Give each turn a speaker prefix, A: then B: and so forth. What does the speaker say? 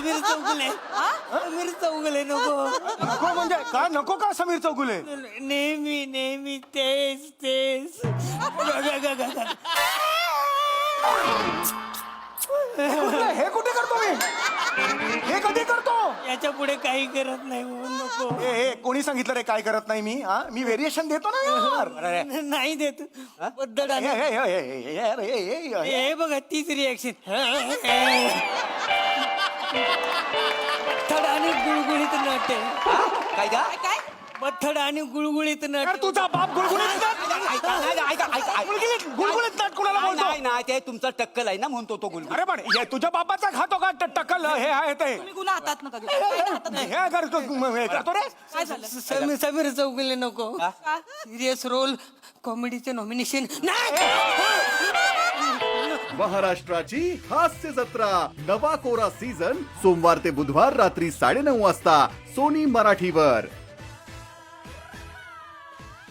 A: समीर चौगुले समीर चौगुले नको.
B: नको म्हणजे काय नको का समीर चौगुले?
A: नेहमी नेहमी तेच तेच.
B: हे कुठे करतो मी? हे कधी करतो?
A: याच्या पुढे काही करत नाही म्हणून नको.
B: हे कोणी सांगितलं रे काय करत नाही मी? हा मी व्हेरिएशन देतो ना यार.
A: नाही देत पद्धत
B: हे, हे, हे, हे, हे, हे, हे, हे.
A: हे बघा तीच रिॲक्शन. बथड आणि गुळगुळीत नट
C: काय का?
A: बथड आणि गुळगुळीत
B: यार
A: नट.
B: तुझा बाप गुळगुळीत नट? गुळगुळीत नट कुणाला बोलतो?
C: नाही नाही ते तुमचं टक्कल आहे ना म्हणतो तो गुलगुल.
B: अरे पण हे तुझ्या बापाचा खातो का टक्कल हे आहे ते?
D: तुम्ही गुन्हा हातात नका घेऊ.
B: हे करतो हे करतो रे.
D: काय झालं?
A: समीर समीर चौगुले नको. सिरियस रोल कॉमेडीचे नॉमिनेशन नाही.
E: महाराष्ट्राची हास्य जत्रा नवा कोरा सीझन सोमवार ते बुधवार रात्री 9:30 वाजता सोनी मराठीवर.